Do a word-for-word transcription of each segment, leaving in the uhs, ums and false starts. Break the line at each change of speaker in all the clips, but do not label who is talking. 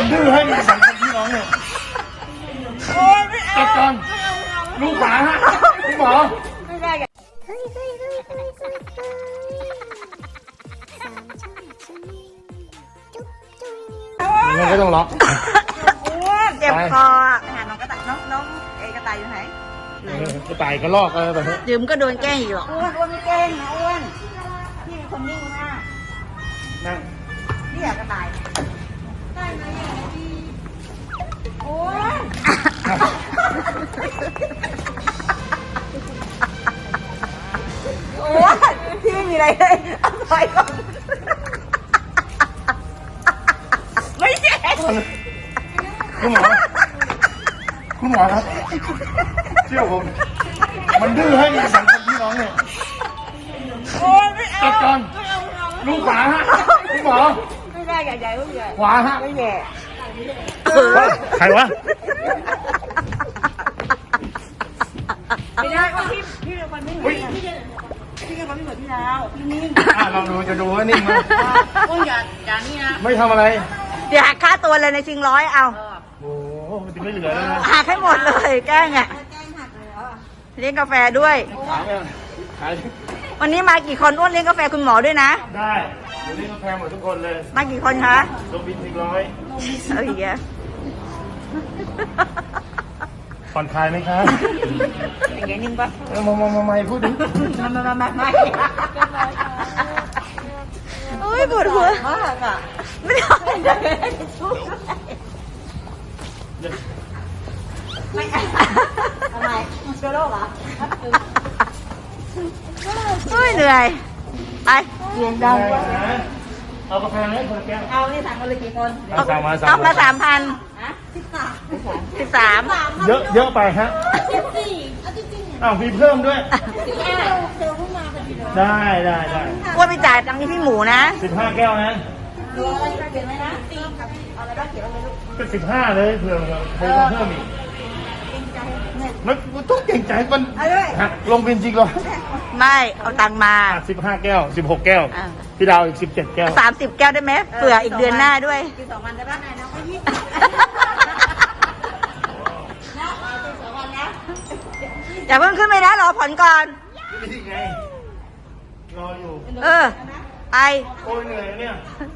มันดื้อให้มีสังคมพี่น้องเนี่ย
โอ้ยไม่เอา
จัดการลูกหมาฮะพี่หมอ
ไม่ได้กัน
มันก็ต้องล็อก
เจ็บคอไปหาน้องกระต่ายน้องน้องเอกระต่ายอยู่ไหน
กระต่ายกระลอกอะไรแบบนี้
ดื่มก็โดนแกล้งอีกหรอกอ้วนอ้วนไม่แกล้งนะอ้วนพี่เป็นคนนิ่งมาก
นั่ง
นี่อยากกระต่ายได้ไหมพี่โอ้ยโอ้ยพี่ไม่มีอะไรเลยเอาไปก่อนไม่ใช่
คุณหมอคุณหมอครับเชื่อผมมันดื้อให้มีสังคมพี่น้องเนี่ย
โอ้ยไม่เอา
จัดการลูกหมาฮะคุณหมอ
ไม่ได้ใหญ่ใหญ่ลูกใหญ่
ขวาฮะ
ไม่แย่
ใครวะ
ไม่ได้ว่าพี่พี่เป็นคนไม่เหมือนพี่พี่เป็นคนไม่เหมือนพี่ดาวพี่นิ่ง
อ่ะลองดูจะดูว่านิ่งไหม
ก็อย่าอย่านี่นะ
ไม่ทำอะไร
เดี๋ยวหักค่าตัวเลยในชิงร้อยเอา
โอ้โหมันจะไม่เหลือแล้วนะ
หักให้หมดเลยแกล้งอ่ะเลี้ยงกาแฟด้วยวันนี้มากี่คนอ้วนเลี้ยงกาแฟคุณหมอด้วยนะ
ได้เดี๋ยวเลี้ยงกาแฟหมดทุกคนเลย
มากี่คนคะ
ลงบินหนึ่งร้อย
เอ้ยแก
ผ่อนคลายไหมครับ
อย่างเงี้ยนิ่งปะ
มามามามาพูดดิ
มามามามามาโอ้ยปวดหัวมากอ่ะไม่ได้ไม่ทำไมเชื้อโรคเหรอเฮ้ยเหนื่อยไปเสียงดัง
เอากาแฟไหมคนละแก้ว
เอานี่สั่งคนละกี่คน
สั่งมาสั่ง
มาสามพันสิบสามสิบสาม
เยอะเยอะไปฮะสิบสี่อ้าวมีเพิ่มด้วยได้ได้ได้
ว่าไปจ่ายตังค์ที่พี่หมูนะ
สิบห้าแก้วนะ
ดูอะไรเขียนไหมนะเอาอะไรบ้างเขียนอะไรลูก
ก็สิบห้าเลยเผื่อเพิ่มเพิ่มอีกมันต้องเก่งใจมันหักลงเป็นจริงเหรอ
ไม่เอาตังมา
สิบห้าแก้วสิบหกแก้วพี่ดาวอีกสิบเจ็ดแก้ว
สามสิบแก้วได้ไหมเผื่ออีกเดือนหน้าด้วยกินสองวันได้บ้างไหนนะก็ยี่สิบอย่าเพิ่งขึ้นไปนะรอผลก่อน
นี่ไงรออยู่
เออไป
โอ้ยเหนื่อยเนี่ย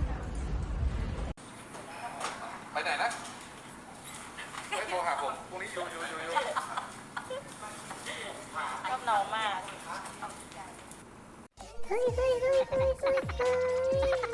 ไปไหนนะไม่โทรหาผมพรุ่งนี้อยู่อยู่อยู่อยู่
ชอบน้องมากเฮ้ยเฮ้ยเฮ้ยเฮ้ย